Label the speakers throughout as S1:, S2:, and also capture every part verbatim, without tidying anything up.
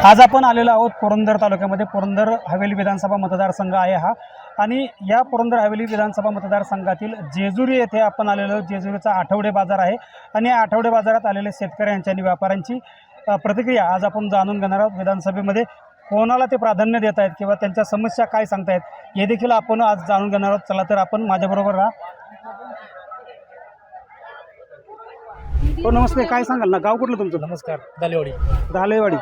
S1: आज आपण आलेलो आहोत पुरंदर तालुक्यामध्ये. पुरंदर हवेली विधानसभा मतदारसंघ आहे हा, आणि या पुरंदर हवेली विधानसभा मतदारसंघातील जेजुरी येथे आपण आलेलो आहोत. जेजुरीचा आठवडे बाजार आहे, आणि या आठवडे बाजारात आलेले शेतकऱ्यांची आणि व्यापाऱ्यांची प्रतिक्रिया आज आपण जाणून घेणार आहोत. विधानसभेमध्ये कोणाला ते प्राधान्य देत आहेत किंवा त्यांच्या समस्या काय सांगतायत हे देखील आपण आज जाणून घेणार आहोत. चला तर आपण माझ्याबरोबर राहा. हो नमस्ते, काय सांगाल ना, गाव कुठलं तुमचं?
S2: नमस्कार, दालेवाडी.
S1: दालेवाडी.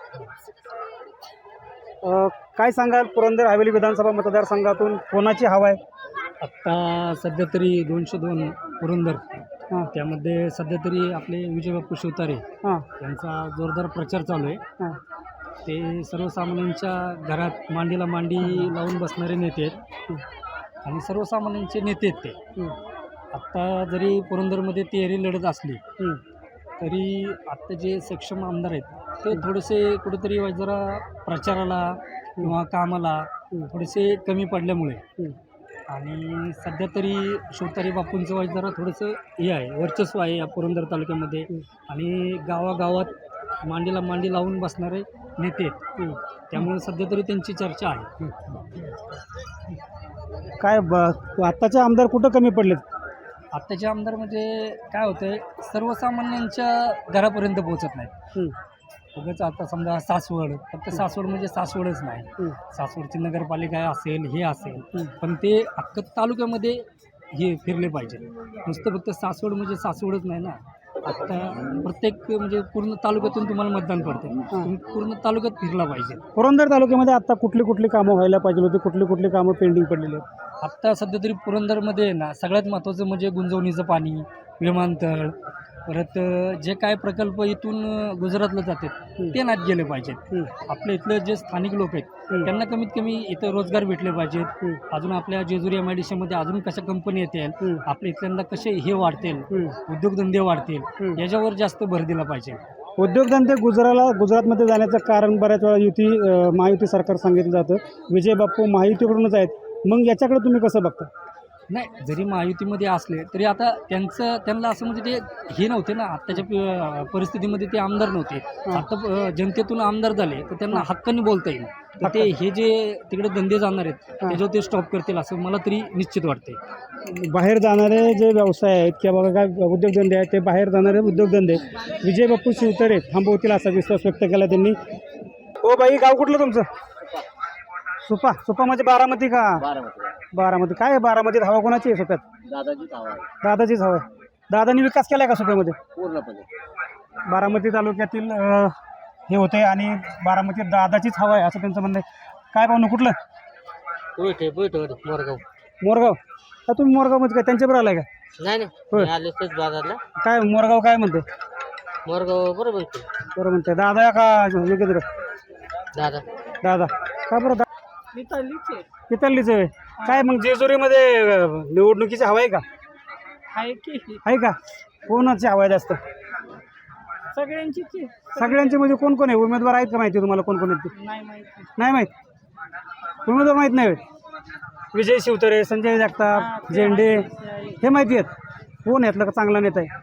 S1: काय सांगाल, पुरंदर हवेली विधानसभा मतदारसंघातून कोणाची हवा आहे?
S2: आत्ता सध्या तरी दोनशे दोन पुरंदर,
S1: हां
S2: त्यामध्ये सध्या तरी आपले विजयबापू शिवतारे
S1: हां
S2: यांचा जोरदार प्रचार चालू आहे.
S1: हां
S2: ते सर्वसामान्यांच्या घरात मांडीला मांडी लावून बसणारे नेते आहेत, आणि सर्वसामान्यांचे नेते आहेत ते. आत्ता जरी पुरंदरमध्ये तिहेरी लढत असली तरी आत्ता जे सक्षम आमदार आहेत ते थोडेसे कुठेतरी जरा प्रचाराला किंवा कामाला थोडेसे कमी पडल्यामुळे, आणि सध्या तरी शिवतारे बापूंचं वाईज जरा थोडंसं हे आहे, वर्चस्व आहे या पुरंदर तालुक्यामध्ये, आणि गावागावात मांडीला मांडी लावून बसणारे नेते आहेत. त्यामुळे सध्या तरी त्यांची चर्चा आहे.
S1: काय ब आत्ताचे आमदार कुठं कमी पडलेत?
S2: आत्ताचे आमदार म्हणजे काय होतं आहे, सर्वसामान्यांच्या घरापर्यंत पोहोचत नाहीत. उगाच आता समजा सासवड, फक्त सासवड म्हणजे सासवडच नाही, सासवडची नगरपालिका असेल, हे असेल, पण ते अख्खं तालुक्यामध्ये हे फिरले पाहिजे. नुसतं फक्त सासवड म्हणजे सासवडच नाही ना. आत्ता प्रत्येक म्हणजे पूर्ण तालुक्यातून तुम्हाला मतदान पडते, तुम्ही पूर्ण तालुक्यात फिरला पाहिजे.
S1: पुरंदर तालुक्यामध्ये आता कुठली कुठली कामं व्हायला पाहिजे होती, कुठली कुठली कामं पेंडिंग पडलेली आहेत?
S2: आत्ता सध्या तरी पुरंदरमध्ये ना सगळ्यात महत्त्वाचं म्हणजे गुंजवणीचं पाणी, विमानतळ, परत जे काय प्रकल्प इथून गुजरातला जातात ते नात गेले पाहिजेत. आपल्या इथलं जे स्थानिक लोक आहेत त्यांना कमीत कमी इथं रोजगार भेटले पाहिजेत. अजून आपल्या जेजुरी एम आय डी सीमध्ये अजून कशा कंपनी येतील, आपल्या इथल्यांना कसे हे वाढतील, उद्योगधंदे वाढतील, याच्यावर जास्त भर दिला पाहिजे.
S1: उद्योगधंदे गुजराला गुजरातमध्ये जाण्याचं कारण बऱ्याच वेळा युती महायुती सरकार सांगितलं जातं. विजय बाप्पू महायुतीकडूनच आहेत, मग याच्याकडे तुम्ही कसं बघता?
S2: नाही, जरी महायुतीमध्ये असले तरी आता त्यांचं त्यांना असं म्हणजे ते हे नव्हते ना, आत्ताच्या परिस्थितीमध्ये ते आमदार नव्हते. आता जनतेतून आमदार झाले तर त्यांना हक्काने बोलता येईल. तर ते हे जे तिकडे धंदे जाणार आहेत त्याच्यावर ते स्टॉप करतील असं मला तरी निश्चित वाटते.
S1: बाहेर जाणारे जे व्यवसाय आहेत किंवा बघा काय उद्योगधंदे आहेत, ते बाहेर जाणारे उद्योगधंदे विजय बाप्पू शिवतारे थांबवतील असा विश्वास व्यक्त केला त्यांनी. हो बाई, गाव कुठलं तुमचं? सुपा. सुपा म्हणजे बारामती का? बारामती. काय आहे बारामतीत हवा कोणाची आहे सुप्यात?
S3: दादाचीच हवा आहे.
S1: दादाचीच हवा आहे. दादांनी विकास केला का सुप्यामध्ये?
S3: पूर्णपणे.
S1: बारामती तालुक्यातील हे होते, आणि बारामतीत दादाचीच हवा आहे असं त्यांचं म्हणणं आहे. काय पाहुणं कुठलं?
S3: बैठे बैठ मोरगाव.
S1: मोरगाव. का तुम्ही मोरगावमध्ये काय त्यांच्याबरोबर आलाय का?
S3: नाही नाही, आले तेच बाजारला.
S1: काय मोरगाव काय म्हणते?
S3: मोरगाव बरोबर
S1: बरं म्हणते. दादा का योगेंद्र?
S3: दादा.
S1: दादा. का बरं? इथलीच आहे. काय मग जेजुरीमध्ये निवडणुकीची हवा आहे का?
S2: आहे की
S1: आहे का? कोणाची हवा आहे जास्त?
S2: सगळ्यांची
S1: सगळ्यांची म्हणजे कोण कोण आहे उमेदवार आहेत का माहिती तुम्हाला? कोण कोण आहेत ते नाही माहीत? उमेदवार माहीत नाही. विजय शिवतारे, संजय जगताप, झेंडे हे माहिती आहेत. कोण यातलं का चांगला नेता आहे?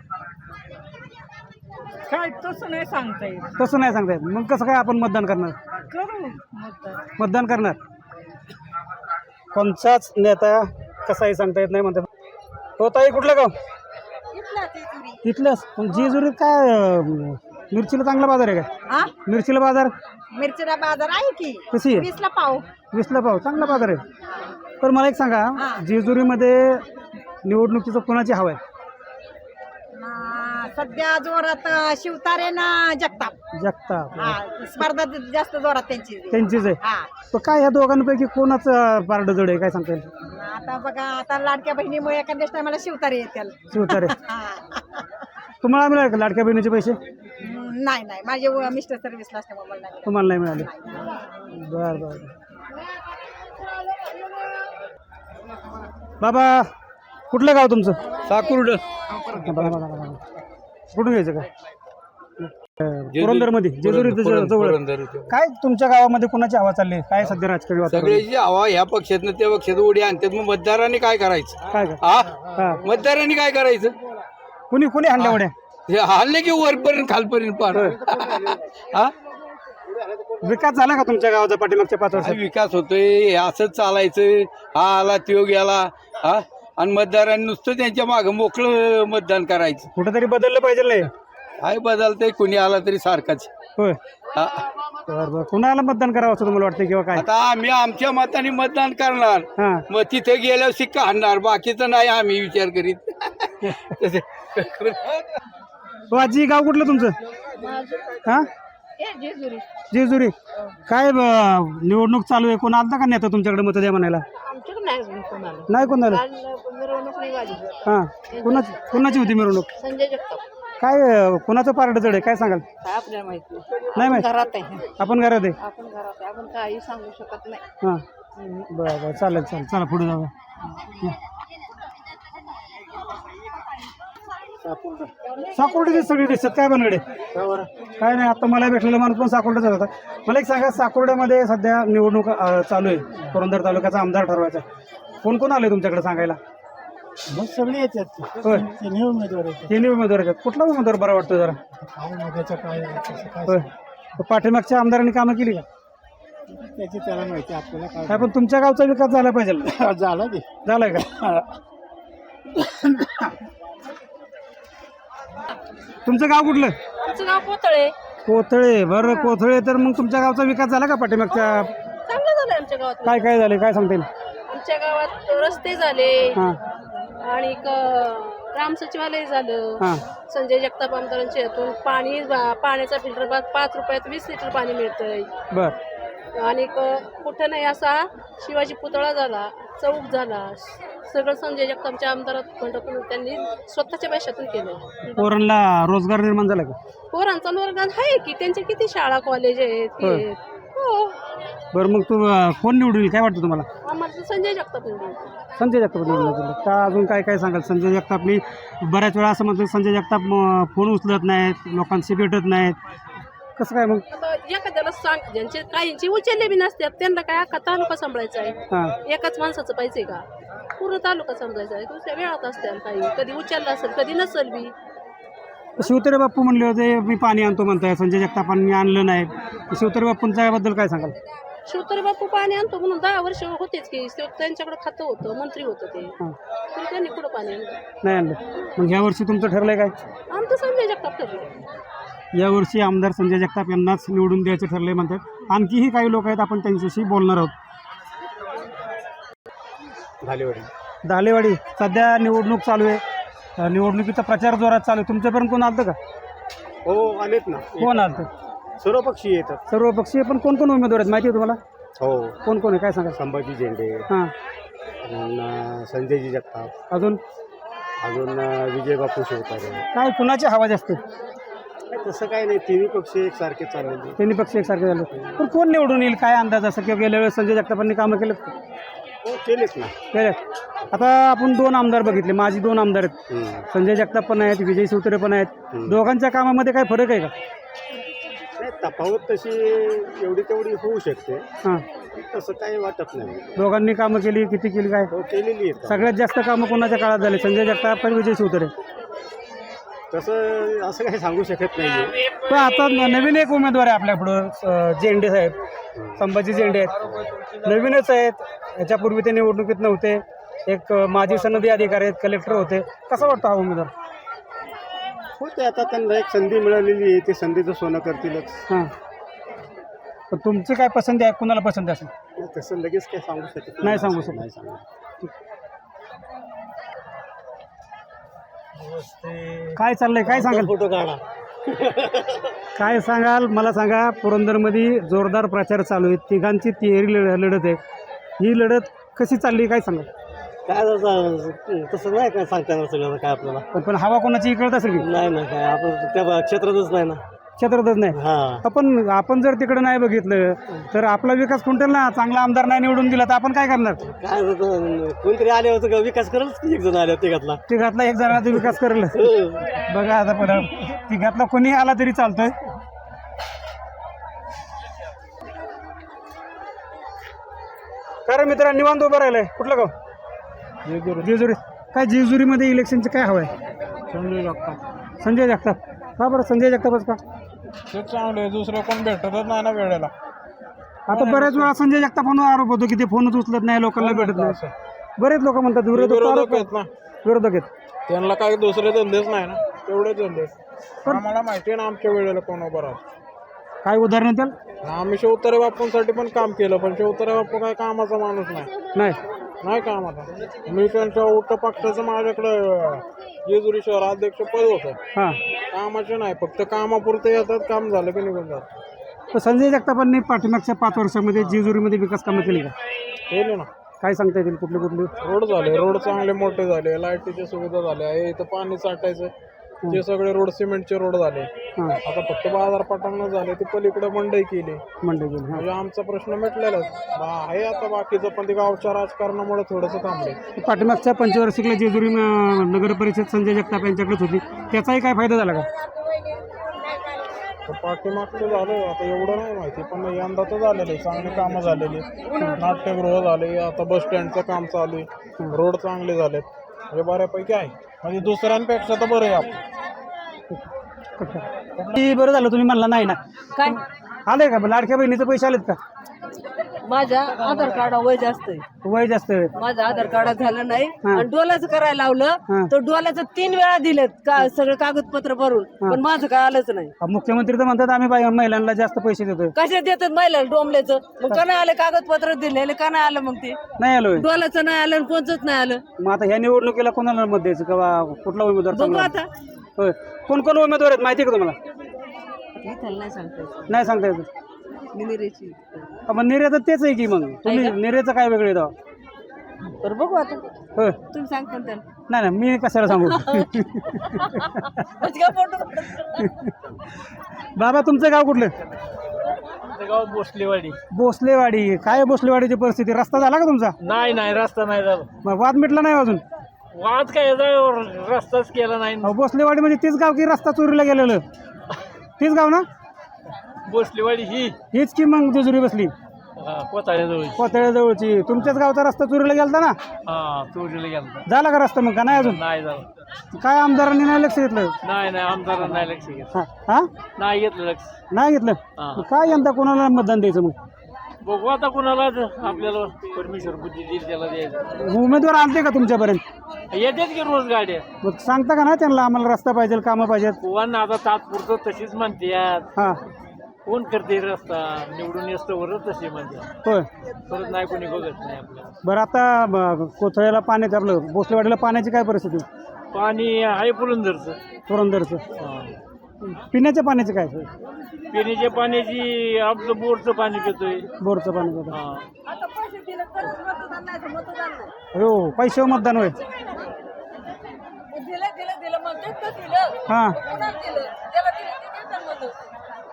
S2: काय तसं नाही सांगता येईल.
S1: तसं नाही सांगता येत. मग कसं काय आपण मतदान करणार?
S2: करू
S1: मतदान करणार. कोणचाच नेता कसाही सांगता येत नाही म्हणतात. हो ताई, कुठलं गाव? इथलंच. पण जेजुरीत काय मिरचीला चांगला बाजार आहे का? मिरचीला बाजार?
S4: मिरचीला बाजार आहे की.
S1: कशी आहे?
S4: वीसला पाव.
S1: वीसला पाव. चांगला बाजार आहे. तर मला एक सांगा, जेजुरीमध्ये निवडणुकीचं कोणाची हवा आहे?
S4: सध्या जोरात शिवतारे ना जगताप.
S1: जगताप.
S4: स्पर्धा जास्त जोरात त्यांची
S1: त्यांचीच आहे. तर काय ह्या दोघांपैकी कोणाचं पारड जड आहे काय सांगता येईल?
S4: आता बघा, आता लाडक्या बहिणीमुळे एखाद्या टायमाला शिवतारे येतील.
S1: शिवतारे. तुम्हाला मिळाले का लाडक्या बहिणीचे पैसे?
S4: नाही नाही, माझे मिस्टर सर्व्हिसला असल्यामुळे मला नाही.
S1: तुम्हाला नाही मिळाले? बर बर. बाबा, कुठलं गाव तुमचं?
S5: साकुर्ड.
S1: कुठून घ्यायचं का? पुरंदर मध्ये, जेजुरी जवळ. काय तुमच्या गावामध्ये कोणाची हवा चालली? काय सध्या राजकीय वातावरण?
S5: सगळ्याची हवा ह्या पक्षातनं त्या पक्षात उडी आणतात. मग मतदारांनी काय करायचं?
S1: काय
S5: हा, मतदारांनी काय करायचं?
S1: कुणी कुणी हाणल्या उड्या?
S5: हे हल्ले की वरपर्यंत खालपर्यंत पार. हा,
S1: विकास झाला का तुमच्या गावाचा पाठीमागच्या पाच
S5: काय
S1: वर्षात?
S5: विकास होतोय हे असंच चालायचं. हा आला त्यो गेला हा आणि मतदारांनी नुसतं त्यांच्या मागं मोकळं मतदान करायचं.
S1: कुठेतरी बदललं पाहिजे नाही?
S5: काय बदलतंय कुणी आला तरी सारखाच.
S1: होय.
S5: हा.
S1: बरं बरं कुणाला मतदान करावं असं तुम्हाला वाटतं किंवा काय?
S5: आता आम्ही आमच्या मताने मतदान करणार.
S1: हां
S5: मग तिथे गेल्यावर शिक्का आणणार, बाकीचं नाही आम्ही विचार करीत. तसे
S1: हो आजी, गाव कुठलं तुमचं? हां जेजुरी. काय ब- निवडणूक चालू आहे, कोण आलता का नेता तुमच्याकडे मत द्या म्हणायला?
S4: आमच्याकडे नाही अजून कोणाला.
S1: नाही कोण झालं?
S4: मिरवणूक नाही झाली.
S1: हां कोणाची कोणाची होती मिरवणूक?
S4: संजय जगताप.
S1: काय अं, कोणाचं पारड जड आहे काय सांगाल?
S4: काय आपल्याला माहिती
S1: नाही माहिती.
S4: घरात आहे.
S1: आपण घरात आहे.
S4: आपण घरात आहे. आपण काही सांगू शकत नाही.
S1: हां बरं बरं चालेल चालेल चला पुढे जाऊया. साकोर्डे सगळी दिसतात काय बनगडे? काय नाही, आता मला भेटलेला माणूस पण साकोर्डेचा होता. मला एक सांगा, साकोर्ड्यामध्ये सध्या निवडणूक अं, चालू आहे, पुरंदर तालुक्याचा आमदार ठरवायचा. कोण कोण आले तुमच्याकडे सांगायला?
S6: मग सगळे येतात.
S1: होय
S6: तिन्ही उमेदवार येतात.
S1: तिन्ही उमेदवार आहेत. कुठला उमेदवार बरा वाटतो जरा?
S6: काय मागायचं काय कसं काय
S1: होय. तर पाठीमागच्या आमदारांनी कामं केली का?
S6: त्याची त्याला माहिती, आपल्याला
S1: काय
S6: काय
S1: पण तुमच्या गावचा विकास झाला पाहिजे.
S6: झालं ते.
S1: झालाय का? तुमचं गाव कुठलं?
S4: आमचं गाव पोतळे.
S1: कोथळे. बरं कोथळे. तर मग तुमच्या गावचा विकास झाला का पाठीमागच्या?
S4: चांगलं झालं आमच्या गावात.
S1: काय काय झाले काय सांगता येईल?
S4: आमच्या गावात रस्ते झाले
S1: हां
S4: आणि क- ग्राम सचिवालय झालं.
S1: हां
S4: संजय जगताप आमदारांच्या यातून पाणी पाण्याचा फिल्टर पाच रुपयात वीस लिटर पाणी मिळतंय.
S1: बर
S4: आणि क- कुठं नाही असा शिवाजी पुतळा झाला, चौक झाला. सगळं संजय जगतापच्या आमदारात फंडातून त्यांनी स्वतःच्या पैशातून केलं.
S1: पोरांना रोजगार निर्माण झाला का?
S4: पोरांचा वर्ग आहे की त्यांच्या किती शाळा कॉलेज आहेत.
S1: होय.
S4: हे- हो
S1: बरं मग तू अं, कोण निवडून येईल काय वाटतं तुम्हाला?
S4: आम्हाला तर संजय जगताप निवडून.
S1: संजय जगताप निवडून येतील का? अजून काय काय सांगाल? संजय जगतापनी बऱ्याच वेळा असं म्हणतात संजय जगताप अं, फोन उचलत नाहीत, लोकांशी भेटत नाहीत, कसं काय मग?
S4: आता एखाद्याला सांग, ज्यांचे काहींची उचलले बी नसतात त्यांना काय अख्खा तालुका सांभाळायचा आहे.
S1: हां
S4: एकाच माणसाचं पाहिजे का? पूर्ण तालुका समजायचा आहे. दुसऱ्या वेळात असतात काही, कधी उचलला असेल कधी नसेल बी.
S1: शिवतरे बाप्पू म्हणले होते मी पाणी आणतो म्हणताय, संजय जगतापांनी आणलं नाही. शिवतरे बाप्पूंच्या याबद्दल काय सांगाल?
S4: शिवतरे बापू पाणी आणतो म्हणून दहा वर्ष होतेच की. ते त्यांच्याकडे खातं होतं, मंत्री होतं ते,
S1: हां
S4: तरी त्यांनी कुठं पाणी आणलं?
S1: नाही आणलं. मग ह्या वर्षी तुमचं ठरलंय काय?
S4: आमचं संजय जगताप ठरलं.
S1: यावर्षी आमदार संजय जगताप यांनाच निवडून द्यायचं ठरलंय म्हणतात. आणखीही काही लोक आहेत, आपण त्यांच्याशी बोलणार आहोत. धालेवाडी सध्या निवडणूक चालू आहे. अं, निवडणुकीचा प्रचार जोरात चालू आहे. तुमच्यापर्यंत कोण आलं का?
S6: हो आलेत ना.
S1: कोण आलं?
S6: सर्व पक्षी येतात.
S1: सर्व पक्षीय. पण कोण कोण उमेदवार आहेत माहिती आहे तुम्हाला?
S6: हो.
S1: कोण कोण आहे काय सांगा?
S6: संभाजी झेंडे,
S1: हां
S6: अजून संजयजी जगताप,
S1: अजून
S6: अजून विजय बापू शिवतारे.
S1: काय कुणाची हवा जास्त?
S6: तसं काही नाही, तिन्ही पक्ष एकसारखे चाललेले.
S1: त्यांनी पक्ष एकसारखे झाले. पण कोण निवडून येईल काय अंदाज? असं किंवा गेल्या वेळेस संजय जगतापांनी कामं केलेत का?
S6: हो केलेत ना.
S1: केलेत. आता आपण दोन आमदार बघितले, माझी दोन आमदार आहेत.
S6: हम्म.
S1: संजय जगताप पण आहेत, विजय शिवतरे पण आहेत.
S6: हम्म.
S1: दोघांच्या कामामध्ये काय फरक आहे का?
S6: नाही, तफावत तशी एवढी तेवढी होऊ शकते,
S1: हां
S6: तसं काही वाटत नाही.
S1: दोघांनी कामं केली, किती केली काय?
S6: हो केलेली आहेत.
S1: सगळ्यात जास्त कामं कोणाच्या काळात झाले? संजय जगताप आणि विजय शिवतरे.
S6: तसं असं काही सांगू शकत नाही.
S1: पण आता न- नवीन एक उमेदवार आहे आपल्यापुढं, अं, झेंडे साहेब, संभाजी झेंडे आहेत. नवीनच आहेत, ह्याच्यापूर्वी ते निवडणुकीत नव्हते. एक अं, माजी सनदी अधिकारी आहेत, कलेक्टर होते. कसा वाटतो हा उमेदवार?
S6: हो ते आता त्यांना एक संधी मिळालेली आहे, ते संधीचं सोनं करतीलच.
S1: हां पण तुमची काय पसंती आहे? कुणाला पसंती असेल?
S6: तसं लगेच काही सांगू शकत
S1: नाही सांगू शकत.
S6: नाही सांगू.
S1: काय चाललंय काय सांगाल?
S6: फोटो काढा.
S1: काय सांगाल मला सांगा. पुरंदरमध्ये जोरदार प्रचार चालू आहे, तिघांची तिहेरी लढ लढत आहे. ही लढत कशी चालली काय सांगाल?
S6: काय तसं तसं नाही काय सांगता येणार सगळं काय आपल्याला.
S1: पण पण हवा कोणाची कळत असेल की?
S6: नाही ना, काय आपण त्या क्षेत्रातच नाही ना.
S1: क्षेत्रातच नाही.
S6: हा
S1: आपण आपण जर तिकडे नाही बघितलं तर आपला विकास खुंटेल ना. चांगला आमदार नाही निवडून दिला तर आपण काय करणार?
S6: काय होतं, कोणतरी आले होतं विकास करलच की, एक जण आले होते घातला.
S1: तिघातला एक जणाचा विकास करेल. बघा आता पण तिघातला कोणी आला तरी चालतोय. कारण मित्रांनो निवांत उभं राहिलंय. कुठलं गाव? जेजुरी. काय जेजुरीमध्ये इलेक्शनचे काय हवं आहे?
S6: संजय जगताप.
S1: संजय जगताप. का बरं संजय जगतापच का?
S7: तेच चांगलं आहे, दुसरं कोण भेटतच नाही ना वेळेला.
S1: आता बऱ्याच वेळा संजय जगतापांवर आरोप होतो की ते फोनच उचलत नाही, लोकांना भेटत नाही. बरेच लोक म्हणतात विरोधक
S7: विरोधक
S1: आरोप-
S7: आहेत ना,
S1: विरोधक आहेत.
S7: त्यांना काही दुसरे धंदेच नाही ना, तेवढे धंदे. आम्हाला माहिती आहे ना आमच्या वेळेला कोण उभं राहत.
S1: काय उदाहरण द्याल?
S7: आम्ही शिवतारे बापूंसाठी पण काम केलं, पण शिवतारे बापू काय कामाचा माणूस नाही
S1: नाही
S7: नाही कामाचा. मी त्यांच्या उठ पक्षाचं माझ्याकडं जेजुरी शहर अध्यक्ष पद होतं.
S1: हां.
S7: कामाचे नाही, फक्त कामापुरते येतात, काम झालं की निघून जातात.
S1: तर संजय जगतापांनी पाठीमागच्या पाच वर्षामध्ये जेजुरीमध्ये विकास कामं केली का?
S7: केले ना,
S1: काय सांगता येतील कुठली कुठली?
S7: रोड झाले, रोड चांगले मोठे झाले, लाईटीच्या सुविधा झाल्या, हे इथं पाणी साठायचं ते सगळे रोड सिमेंटचे रोड झाले.
S1: हां.
S7: आता फक्त बाजारपेठांना झाले, ते पलीकडे मंडई केली,
S1: मंडई गेली. हां.
S7: म्हणजे आमचा प्रश्न मिटलेलाच बा- आहे. आता बाकीचं पण ते गावच्या राजकारणामुळे थोडंसं थांबले.
S1: पाठीमागच्या पंचवार्षिकला जेजुरी अं, नगर परिषद संजय जगताप यांच्याकडेच होती, त्याचाही काय फायदा झाला का?
S7: तर पाठीमागचं झालं, आता एवढं नाही माहिती, पण यंदा तर झालेलं आहे, चांगली कामं झालेली, नाट्यगृह झाले, आता बस स्टँडचं काम चालू आहे, रोड चांगले झालेत, म्हणजे बऱ्यापैकी आहे, म्हणजे दुसऱ्यांपेक्षा तर बरं आहे आपण.
S1: ती बरं झालं तुम्ही म्हणला नाही ना.
S4: काय
S1: आले का लाडक्या बहिणीचे पैसे आलेत का?
S4: माझ्या आधार कार्ड वय जास्त आहे,
S1: वय जास्त आहे.
S4: माझं आधार कार्ड झालं नाही
S1: हा.
S4: आणि डोलाचं करायला
S1: हा.
S4: लावलं तर डोलाचं तीन वेळा दिलेत का सगळं कागदपत्र भरून, पण माझं काय आलंच नाही.
S1: मुख्यमंत्री तर म्हणतात आम्ही बाई- महिलांना जास्त पैसे देतोय.
S4: कशा देतात महिला डोंबल्याचं, मग का नाही आलं कागदपत्र दिलेले, का नाही आलं मग ते
S1: नाही आलोय.
S4: डोलाचं नाही आलं आणि कोणचंच नाही आलं.
S1: मग आता ह्या निवडणुकीला कोणाला मत द्यायचं का बा- कुठला उमेदवार
S4: बघू
S1: चांगला?
S4: आता.
S1: होय. कोण कोण उमेदवार आहेत माहिती आहे का तुम्हाला?
S4: इथं नाही सांगता येत.
S1: नाही सांगता येत.
S4: निरेची.
S1: मग निर्यात तेच आहे की, मग तुम्ही निर्याचं काय वेगळे दावा?
S4: तर बघू आता,
S1: होय.
S4: तुम्ही सांगता ना त्याला.
S1: नाही नाही मी कशाला सांगू.
S4: म्हणजे काय फोटो
S1: बाबा तुमचं गाव कुठलं?
S2: गाव भोसलेवाडी.
S1: भोसलेवाडी. काय भोसलेवाडीची परिस्थिती? रस्ता झाला का तुमचा?
S2: नाही नाही, रस्ता नाही झाला.
S1: मग वाद मिटला नाही अजून?
S2: वाद काय, रस्ताच केला नाही.
S1: अहो, भोसलेवाडी म्हणजे तीच गाव की रस्ता चोरीला गेलेलं? तीच गाव ना?
S2: भोसलेवाडी ही
S1: हीच की मग जेजुरी बसली
S2: कोताळ्याजवळ.
S1: कोथळ्याजवळची. तुमच्याच गावचा रस्ता चोरीला गेलता ना?
S2: हा, चोरीला गेला.
S1: झाला का रस्ता मग का नाही अजून?
S2: नाही झालं.
S1: काय आमदारांनी नाही लक्ष घेतलं?
S2: नाही नाही, आमदारांना नाही लक्ष घेतलं.
S1: हा हा?
S2: नाही घेतलं लक्ष.
S1: नाही घेतलं.
S2: हा.
S1: मग काय यंदा कोणाला मतदान द्यायचं मग?
S2: बघू आता कुणाला आपल्याला परमेश्वर बुद्धी देईल त्याला द्यायचं.
S1: उमेदवार आलते का तुमच्यापर्यंत?
S2: येतात की रोज गाड्या.
S1: मग सांगता का ना त्यांना आम्हाला रस्ता पाहिजे, कामं पाहिजेत?
S2: कोण आता तात्पुरतं तशीच म्हणते.
S1: हा.
S2: कोण करते रस्ता निवडून येतो वरच तसे म्हणते,
S1: होय.
S2: परत नाही कोणी बघत नाही आपल्याला.
S1: बरं आता ब- कोथळ्याला पाण्याचं आपलं भोसलेवाडीला पाण्याची काय परिस्थिती?
S2: पाणी आहे पुरंदरचं.
S1: पुरंदरचं.
S2: हा.
S1: पिण्याच्या पाण्याची काय?
S2: पिण्याच्या पाण्याची आपलं बोरचं पाणी पितोय.
S1: बोरचं पाणी बघा.
S2: हा.
S4: आता पैसे दिले तरच मतदान नाही तर मतदान नाही.
S1: हो पैशावर मतदान होय.
S4: दिलं दिलं दिलं म्हणतात तर दिलं.
S1: हां.
S4: कोणाला दिलं? ज्याला दिलं ते देतात मतदान.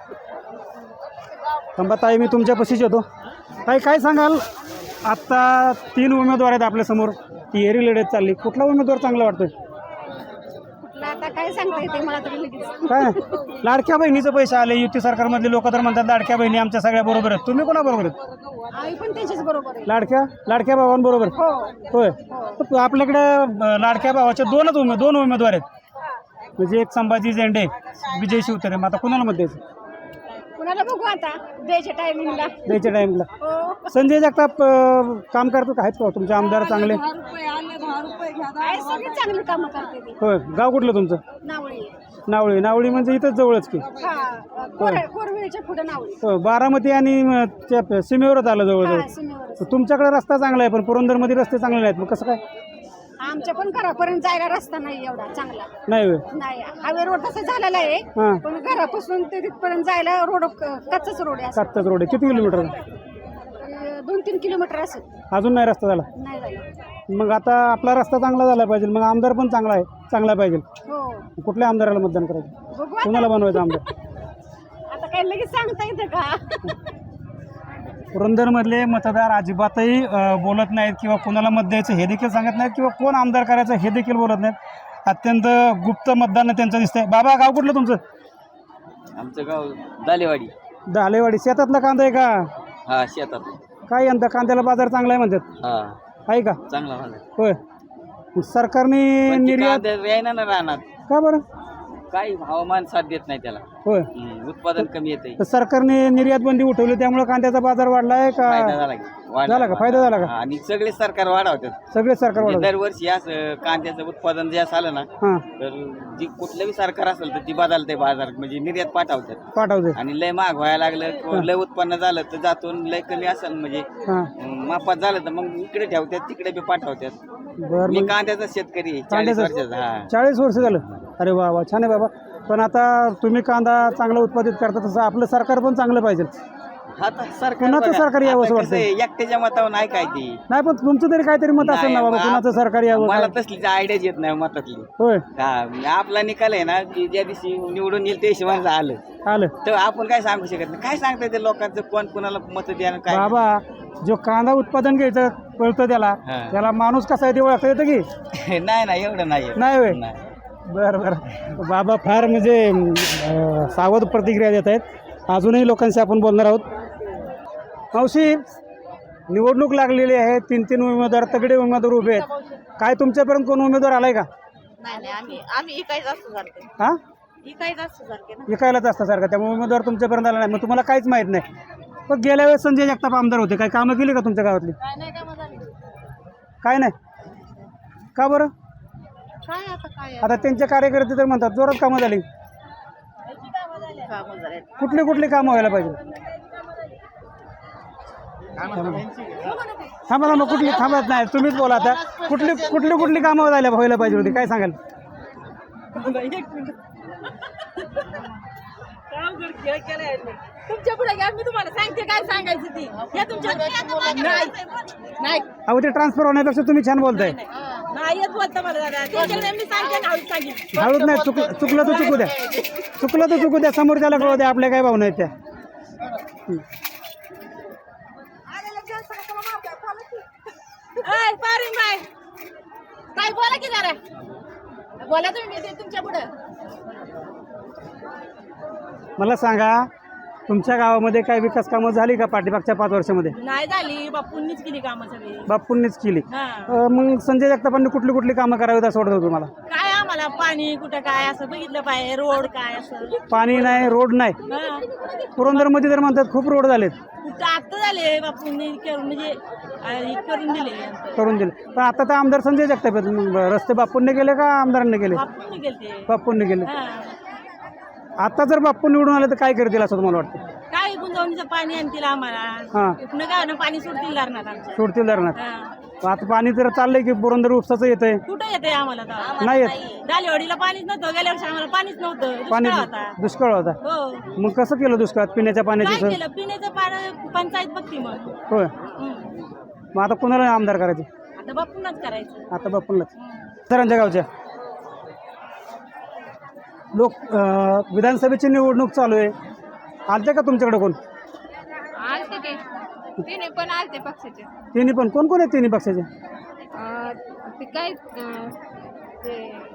S1: थांबा ताई, मी तुमच्यापाशीच येतो. ताई काय सांगाल, आत्ता तीन उमेदवार आहेत आपल्यासमोर, तिहेरी लढत चालली, कुठला उमेदवार चांगला वाटतोय?
S8: आता काय सांगता येते मला तरी लगेच.
S1: काय लाडक्या बहिणीचे पैसे आले, युती सरकारमधले लोक तर म्हणतात लाडक्या बहिणी आमच्या सगळ्या बरोबर आहेत, तुम्ही कोणाबरोबर आहेत?
S8: आई पण त्याच्याच बरोबर आहे.
S1: लाडक्या लाडक्या भावांबरोबर?
S8: हो.
S1: होय. तर आपल्याकडे अं, लाडक्या भावाचे दोनच उमे दोन उमेदवार आहेत, म्हणजे एक संभाजी झेंडे, विजय शिवतरे. मग आता कुणाला मत द्यायचं?
S8: कुणाला बघू आता द्यायच्या टायमिंगला.
S1: द्यायच्या टाईमला.
S8: हो.
S1: संजय जगताप अं, काम करतात, आहेत का तुमचे आमदार चांगले?
S4: दहा रुपये आले, दहा रुपये घ्या.
S8: आहे सगळी चांगली कामं करते ती.
S1: होय. गाव कुठलं तुमचं?
S8: नावळी.
S1: नावळी. नावळी म्हणजे इथंच जवळच की?
S8: हा कोर- कोरवेळच्या पुढे नावळी.
S1: हो, बारामती आणि अं, त्या सीमेवरच आलं जवळजवळ.
S8: हा सीमेवर.
S1: तर तुमच्याकडे रस्ता चांगला आहे, पण पुरंदरमध्ये रस्ते चांगले नाहीत, मग कसं काय?
S8: आमच्या पण घरापर्यंत जायला रस्ता नाही एवढा चांगला.
S1: नाही होय.
S8: नाही हायवे रोड तसा झालेला आहे,
S1: हां.
S8: पण घरापासून ते तिथपर्यंत जायला रोड कच्चाच रोड आहे.
S1: सातच रोड आहे. किती किलोमीटर?
S8: असं दोन तीन किलोमीटर असं
S1: अजून नाही रस्ता झाला.
S8: नाही झालं.
S1: मग आता आपला रस्ता चांगला झाला पाहिजे, मग आमदार पण चांगला आहे, चांगला पाहिजे.
S8: हो.
S1: कुठल्या आमदाराला मतदान करायचं?
S8: बघू आता.
S1: कोणाला बनवायचं आमदार?
S8: आता काय लगेच सांगता येतं का?
S1: पुरंदरमधले मतदार अजिबातही अं, बोलत नाहीत, किंवा कोणाला मत द्यायचं हे देखील सांगत नाहीत, किंवा कोण आमदार करायचं हे देखील बोलत नाहीत. अत्यंत गुप्त मतदान त्यांचं दिसतंय. बाबा गाव कुठलं तुमचं?
S3: आमचं गाव दालेवाडी.
S1: दालेवाडी. शेतातला कांदा आहे का?
S3: हा, शेतात.
S1: काय यंदा कांद्याला बाजार चांगला आहे म्हणतात,
S3: हा,
S1: आहे का?
S3: चांगला झाला.
S1: होय. सरकारने निर्यात
S3: ना राहणार.
S1: का बरं?
S3: काही हवामान साथ देत नाही त्याला.
S1: होय.
S3: हम्म, उत्पादन कमी येते.
S1: तर सरकारने निर्यात बंदी उठवली त्यामुळे कांद्याचा बाजार वाढलाय का?
S3: फायदा झाला की? वाढला.
S1: झाला का? फायदा झाला का?
S3: हा, आणि सगळे सरकार वाढवतात.
S1: सगळे सरकार
S3: म्हणजे
S1: वाढवलं.
S3: दरवर्षी असं कांद्याचं उत्पादन जे झालं ना
S1: हां
S3: तर जी कुठलंही सरकार असेल तर ती बदलते बाजार म्हणजे निर्यात पाठवतात.
S1: पाठवते.
S3: आणि लय महाग व्हायला लागलं किंवा लय उत्पन्न झालं तर जातून लय कमी असेल म्हणजे
S1: हां
S3: अं, मापात झालं तर मग इकडे ठेवतात तिकडे बी पाठवतात.
S1: बरं
S3: मी
S1: मग
S3: कांद्याचा शेतकरी आहे, चाळीस
S1: कांद्याचा-
S3: वर्षाचा. हा
S1: चाळीस वर्ष झालं. अरे वा वा छान आहे बाबा. पण आता तुम्ही कांदा चांगला उत्पादित करता तसं आपलं सरकार पण चांगलं पाहिजे.
S3: आता सरकार
S1: कुणाचं
S3: बघा,
S1: सरकार यावं असं
S3: आता कसं
S1: वाटतंय?
S3: आहे, एकट्याच्या मतावर नाही काय ती.
S1: नाही पण तुमचं तरी काहीतरी मत असेल ना
S3: नाही,
S1: बाबा
S3: मग
S1: कुणाचं
S3: आप-
S1: सरकार यावं
S3: मला
S1: काय?
S3: तसली आयडियाच येत नाही मतातली.
S1: होय
S3: हा म्हणजे आपला निकाल आहे ना की ज्या दिवशी निवडून येईल त्या हिशोबाने आलं
S1: आलं
S3: तर आपण काय सांगू शकत नाही. काय सांगता येते लोकांचं कोण कोणाला मत द्या काय.
S1: बाबा जो कांदा उत्पादन घ्यायचं कळतं त्याला
S3: हा.
S1: त्याला माणूस कसा आहे ते ओळखता येतं की
S3: नाही नाही एवढं नाही येत.
S1: नाही होय.
S3: नाही.
S1: बरं बरं बाबा फार म्हणजे अं, सावध प्रतिक्रिया देत आहेत. अजूनही लोकांशी आपण बोलणार आहोत. मावशी निवडणूक लागलेली आहे. तीन तीन उमेदवार तगडे उमेदवार उभे आहेत. काय तुमच्यापर्यंत कोण उमेदवार आलाय का?
S8: नाही नाही आम्ही आम्ही इकायचं असतो सारखे
S1: हा
S8: इकायचं असतो सारखे ना.
S1: विकायलाच असतं सारखं त्यामुळे उमेदवार तुमच्यापर्यंत आला नाही. मग तुम्हाला काहीच माहीत नाही. पण गेल्या वेळेस संजय जगताप आमदार होते. काही कामं केली का तुमच्या गावातली?
S8: काय नाही कामं झाली.
S1: काय नाही. का बरं?
S8: काय आता काय
S1: आता त्यांचे कार्यकर्ते तर म्हणतात जोरात कामं झाली.
S8: कामं झाले.
S1: कुठली कुठली कामं व्हायला पाहिजे? थांबा थांबा कुठली थांबत नाही तुम्हीच बोला आता. कुठली कुठली कुठली कामं व्हायला व्हायला पाहिजे होती काय सांगाल?
S8: तुमच्या पुढे घ्या मी तुम्हाला सांगते काय सांगायचं ती हे तुमच्या नाही नाही
S1: अहो ते ट्रान्सफर होण्यापेक्षा तुम्ही छान बोलताय.
S8: नाही येत बोलता मला दादा त्यांच्याकडे मी सांगते ना हळूच सांगितलं
S1: हळूच नाही चुक चुकलं तर चुकू द्या. चुकलं तर चुकू द्या. समोरच्याला कळू द्या आपल्या काय भावना आहेत त्या.
S8: ऐ, पारीन बाय काय बोला की जरा बोला तुम्ही मी ते तुमच्या पुढे
S1: मला सांगा तुमच्या गावामध्ये काय विकास कामं झाली का पाठीमागच्या पाच वर्षामध्ये?
S8: नाही झाली बापूंनीच केली कामं सगळी
S1: बापूंनीच केली.
S8: हा
S1: अं, मग संजय जगतापांनी कुठली कुठली कामं करावीत असं वाटतं तुम्हाला?
S8: काय आम्हाला पाणी कुठं काय असं बघितलं पाहिजे रोड काय असं
S1: पाणी नाही रोड नाही.
S8: हा
S1: पुरंदरमध्ये तर म्हणतात खूप रोड झालेत
S8: कुठं आता झाले बापूंनी करून म्हणजे अं, हे करून दिले
S1: करून दिले. पण आता तर आमदार संजय जगताप आहेत. मग रस्ते बापूंनी गेले का आमदारांनी गेले?
S8: बापूंनी गेलते
S1: बापूंनी गेले.
S8: हा
S1: आता जर बाप्पू निवडून आले तर काय करतील असं तुम्हाला वाटतं?
S8: काय गुंजवणीचं पाणी आणतील आम्हाला
S1: हां
S8: इथनं काय ना पाणी सोडतील धरणात आमच्या
S1: सोडतील धरणात.
S8: हा.
S1: आता पाणी तर चाललंय की पुरंदर उपसाचं येतंय.
S8: कुठं येते आम्हाला तर?
S1: नाही येत.
S8: डालेवाडीला पाणीच नव्हतं गेल्या वर्षी आम्हाला पाणीच नव्हतं
S1: पाणी
S8: दुष्काळ होता
S1: दुष्काळ होता.
S8: हो
S1: मग कसं केलं दुष्काळात पिण्याच्या पाण्याची
S8: काय
S1: सोय?
S8: केलं पिण्याचं पाणी पंचायत बघती मग
S1: होय.
S8: हम्म.
S1: मग आता कुणाला आमदार करायचे?
S8: आता बापूंनाच करायचं
S1: आता बापूंनाच. सरांच्या गावच्या लोक अं, विधानसभेची निवडणूक चालू आहे. आलते का तुमच्याकडे कोण?
S9: आलते ते तिने पण आलते पक्षाचे
S1: तिन्ही पण कोण कोण आहेत तिन्ही पक्षाचे?
S9: अं, ते काय अं, ते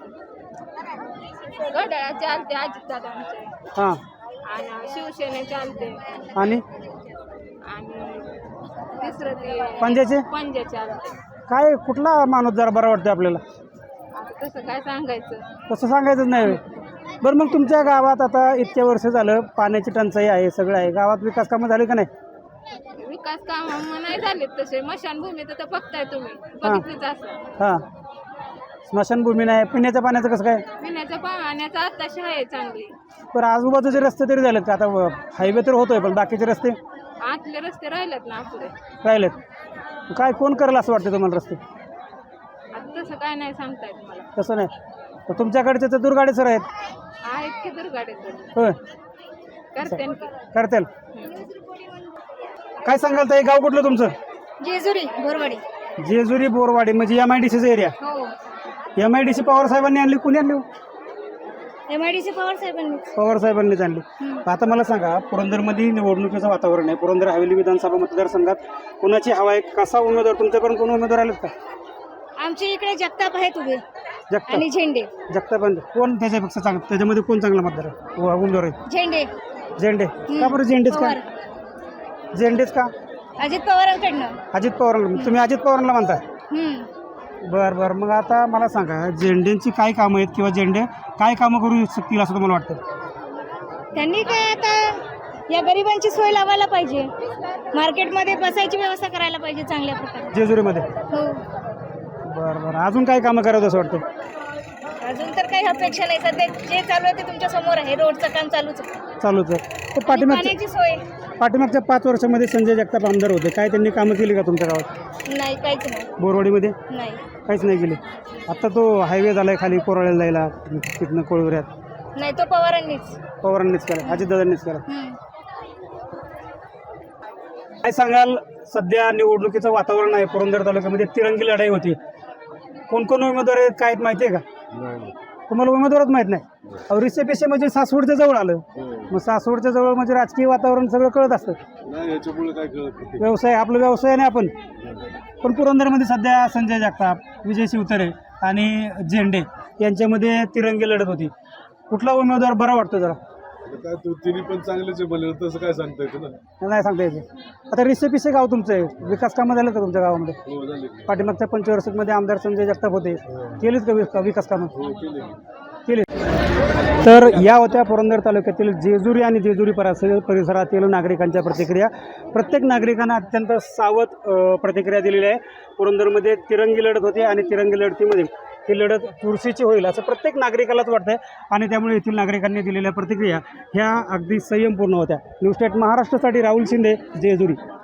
S9: घड्याळाचे आलते अजितदादांचे
S1: हां
S9: आणि शिवसेनेचे आलते
S1: आणि
S9: आणि तिसरं ते
S1: पंजाचे
S9: पंजाचे आलते.
S1: काय कुठला माणूस जरा बरा वाटतो आपल्याला?
S9: आता तसं काय सांगायचं
S1: तसं सांगायचंच नाही. बरं मग तुमच्या गावात आता इतक्या वर्ष झालं पाण्याची टंचाई आहे सगळं आहे. गावात विकास कामं झाली का नाही?
S9: विकास काम नाही झालेत तसे स्मशानभूमी तर बघताय तुम्ही बघितलीच असं
S1: हां स्मशानभूमी नाही. पिण्याच्या पाण्याचं कसं काय?
S9: पिण्याच्या पाण्याचा आत्ताशी आहे चांगली.
S1: बरं आजूबाजूचे रस्ते तरी झालेत का? आता हायवे तर होतोय पण बाकीचे रस्ते
S9: आतले रस्ते राहिलेत ना आपले
S1: राहिलेत. काय कोण करेल असं वाटतं तुम्हाला रस्ते?
S9: आता तसं काय नाही सांगता येत मला.
S1: तसं नाही. तर तुमच्याकडचे तर दुर्गाडे सर आहेत.
S9: आहेत की दुर्गाडे
S1: होय
S9: करते
S1: करतील. काय सांगाल ताई गाव कुठलं तुमचं?
S8: जेजुरी बोरवाडी.
S1: जेजुरी बोरवाडी म्हणजे एम आय डी सीचा एरिया.
S8: हो
S1: M I D C Pawar साहेबांनी आणली. कुणी आणली?
S8: M I D C Pawar साहेबांनी.
S1: पवार साहेबांनीच आणली. आता मला सांगा पुरंदरमध्ये निवडणुकीचं वातावरण आहे. पुरंदर हवेली विधानसभा मतदारसंघात कोणाची हवा आहे? कसा उमेदवार तुमच्याकडून कोण उमेदवार आलेत का?
S8: आमच्या इकडे जगताप आहेत उभे
S1: जगताप
S8: आणि झेंडे.
S1: जगताप कोण त्याच्यापेक्षा चांगलं त्याच्यामध्ये कोण चांगला मतदार आहे उ- उमेदवार आहे?
S8: झेंडे.
S1: झेंडे. का बरं झेंडेच का? झेंडेच का?
S8: अजित पवारांकडनं.
S1: अजित पवारांना तुम्ही अजित पवारांना म्हणता?
S8: हम्म.
S1: बरं बरं मग आता मला सांगा झेंडेंची काय कामं आहेत किंवा झेंडे काय कामं करू शकतील असं तुम्हाला वाटतं?
S10: त्यांनी काय आता या गरिबांची सोय लावायला पाहिजे, मार्केटमध्ये बसायची व्यवस्था करायला पाहिजे चांगल्या प्रकारे.
S1: जेजुरीमध्ये
S10: हो,
S1: बरं बरं अजून काय कामं करावं असं वाटतं?
S10: अजून तर काही अपेक्षा नाही. सध्या जे चालू आहे ते तुमच्या समोर आहे. रोडचं काम चालूच आहे.
S1: चालूच आहे. तर
S10: आणि
S1: पाठीमागच्या
S10: पाण्याची सोय
S1: पाठीमागच्या पाच वर्षामध्ये संजय जगताप आमदार होते, काय त्यांनी कामं केली का तुमच्या गावात?
S10: नाही, काहीच नाही.
S1: बोरवाडीमध्ये
S10: नाही
S1: काहीच नाही केली. आता तो हायवे झाला आहे खाली कोराळ्याला जायला तिथनं कोळवऱ्यात,
S10: नाही, तो पवारांनीच.
S1: पवारांनीच केला, अजितदादांनीच केला.
S10: हम्म.
S1: काय सांगाल, सध्या निवडणुकीचं वातावरण आहे, पुरंदर तालुक्यामध्ये तिरंगी लढाई होती. कोण कोण उमेदवार आहेत काय माहिती आहे का? तुम्हाला उमेदवारच माहीत नाही? अहो रिसे पेशे म्हणजे सासवडच्या जवळ आलं, मग सासवडच्या जवळ म्हणजे राजकीय वातावरण सगळं कळत असतं. व्यवसाय आपला व्यवसाय आहे ना आपण. पण पुरंदरमध्ये सध्या संजय जगताप, विजय शिवतरे आणि झेंडे यांच्यामध्ये तिरंगी लढत होती. कुठला उमेदवार बरा वाटतो जरा?
S11: काय तू तिन्ही पण चांगलेच बोलले, तसं काय सांगता येतं ना?
S1: नाही सांगता येते. आता रिसे पिसे गाव तुमचं आहे, विकास कामं झालं का तुमच्या गावामध्ये?
S11: हो झाले.
S1: पाठीमागच्या पंचवार्षिकमध्ये आमदार संजय जगताप होते, केलीत का विक- विकास कामं?
S11: हो केले.
S1: केले. तर या होत्या पुरंदर तालुक्यातील जेजुरी आणि जेजुरी परिसर परिसरातील नागरिकांच्या प्रतिक्रिया. प्रत्येक नागरिकांना अत्यंत सावध अ, प्रतिक्रिया दिलेली आहे. पुरंदरमध्ये तिरंगी लढत होती आणि तिरंगी लढतीमध्ये ही लढत चुरशीची होईल असं प्रत्येक नागरिकालाच वाटतंय आणि त्यामुळे येथील नागरिकांनी दिलेल्या प्रतिक्रिया ह्या अगदी संयमपूर्ण होत्या. न्यूज स्टेट महाराष्ट्रासाठी राहुल शिंदे, जेजुरी.